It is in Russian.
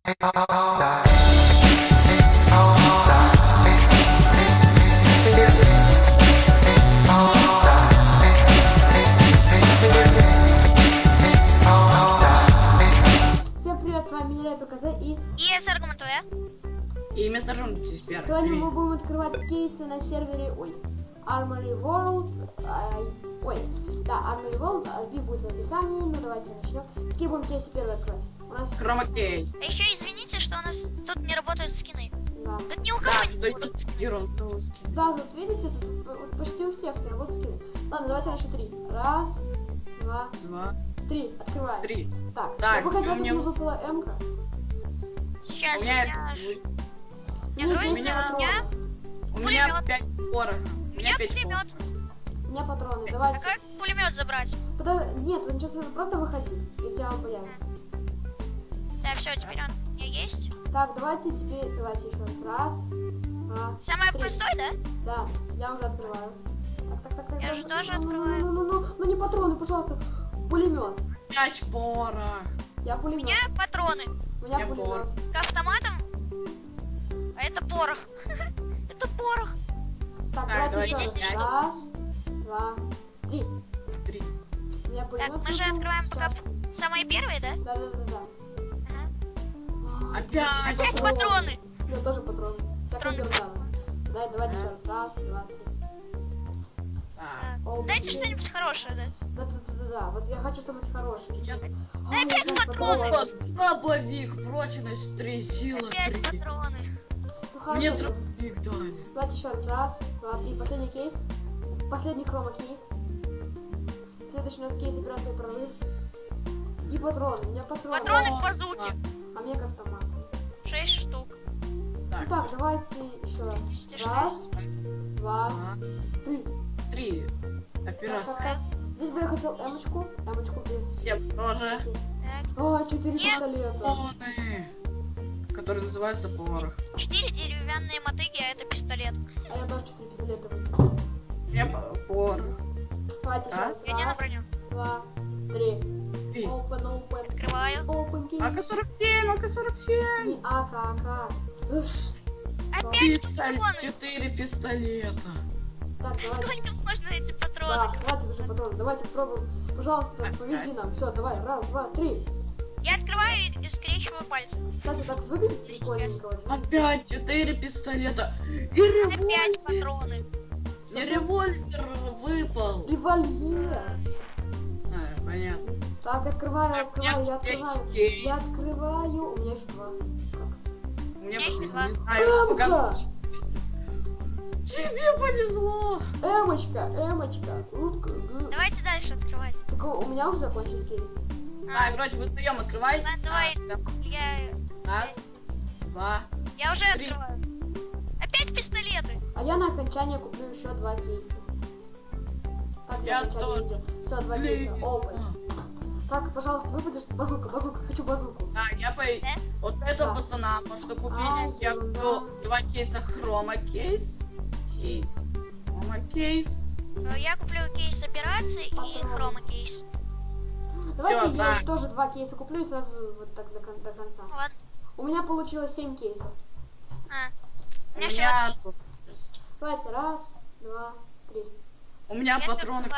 Всем привет, с вами Мирай ПКЗ и СР ТВ. И вместо жен теперь. сегодня мы будем открывать кейсы на сервере, Armory World, Armory World, IP будет в описании, ну давайте начнем. Какие будем кейсы первые открывать? У нас Хромакейс. А еще извините, что у нас тут не работают скины. да. Тут ни у Да, кого не тут работают. скидирон русский. Да, тут видите, тут почти у всех не работают скины. Ладно, давайте на счет 3. Раз, два, 2, 3. Открываем. 3. Так, Так, я бы хотела, у меня- чтобы выпала М-ка. Сейчас У у меня, меня Мне грузится, меня у меня у меня пулемет. 5 пороха. у меня 5 пулемет. У меня патроны, А давайте. как пулемет забрать? Нет, ничего страшного, просто выходи, и у тебя он появится. Да, все, теперь он у меня есть. Так, давайте еще раз. Раз, два, Самое 3. простое, да? Да, я уже открываю. Так. Я же тоже Ну, открываю. Ну не патроны, пожалуйста. Пулемет. 5 порох. Я У пулемет. меня патроны У меня я пулемет. к автоматам. А это порох. Это порох. Так, Так, давайте еще давайте раз. 10 штук. Раз, два, 3. 3. У меня пулемет. Так, мы же выпал. открываем пока Сейчас. самые первые, да? Да. Ага. Опять. Опять патроны. У меня тоже патроны. Всякая Патроны. ерунда. Давайте еще раз. Раз, два, 3. А, О, Дайте блин. что-нибудь хорошее, да? Да. Вот я хочу что-нибудь хорошее. Я- Ай, Опять блин, патроны. Дробовик, прочность 3, сила Опять 3. патроны. Ну, хорошо, Мне давай. дробовик дали. Давайте еще раз. Раз, два, 3. Последний кейс. Последний хрома кейс. Следующий у нас кейс операции прорыв. И патроны. У меня патроны. Патроны к базуке. А мне к автомату. 6 штук. Ну так, давайте еще раз. Здесь Раз, два, 3. 3. Операция. Так. Здесь бы я хотел эмочку. Эмочку без... Я тоже. Так. О, 4 Нет. пистолета. Патроны, которые называются порох. 4 деревянные мотыги, а это пистолет. А я тоже 4 пистолета выкинул. У меня порох. Давайте еще А? раз. Иди на Раз, броню. два, 3. 3. Open. Открываю. Open key. АК-47, АК-47. Не АК. Опять патроны. 4 пистолета. Так, давайте. Сколько можно эти Да, патроны? хватит уже патронов. Давайте попробуем. Пожалуйста, повези нам. Все, давай. Раз, два, 3. Я открываю и скрещиваю пальцы. Кстати, так выглядит прикольненько. Вот. Опять 4 пистолета. И Опять револьвер. патроны. Мне револьвер выпал. Револьвер. А, понятно. Так, открываю, Так, у меня я последний открываю. кейс. Я открываю. У меня еще 2. У меня есть просто два. не знаю. Эмка! пока- Тебе повезло. Эмочка. Утка. Давайте дальше открывать. Так у меня уже закончился кейс. Так, вроде вы вдвоем открываете. Ладно, давай. Да. Я Раз, два. уже 3. открываю. Опять пистолеты. А я на окончание куплю еще 2 кейса. Так, Я на окончание тоже. видео. Все, 2 кейса. Open. Так, пожалуйста, выпадешь. Базука. Хочу базуку. А, я по... Да? Вот этого Да. пацана можно купить. Ай, Я ерунда. куплю 2 кейса хрома кейс. И хрома кейс. Я куплю кейс операции и Патроны. хрома кейс. Давайте Всё, я так. тоже 2 кейса куплю и сразу вот так до конца. Ну ладно. У меня получилось 7 кейсов. У У меня всего меня... Давайте, раз, два, 3. У меня Я патроны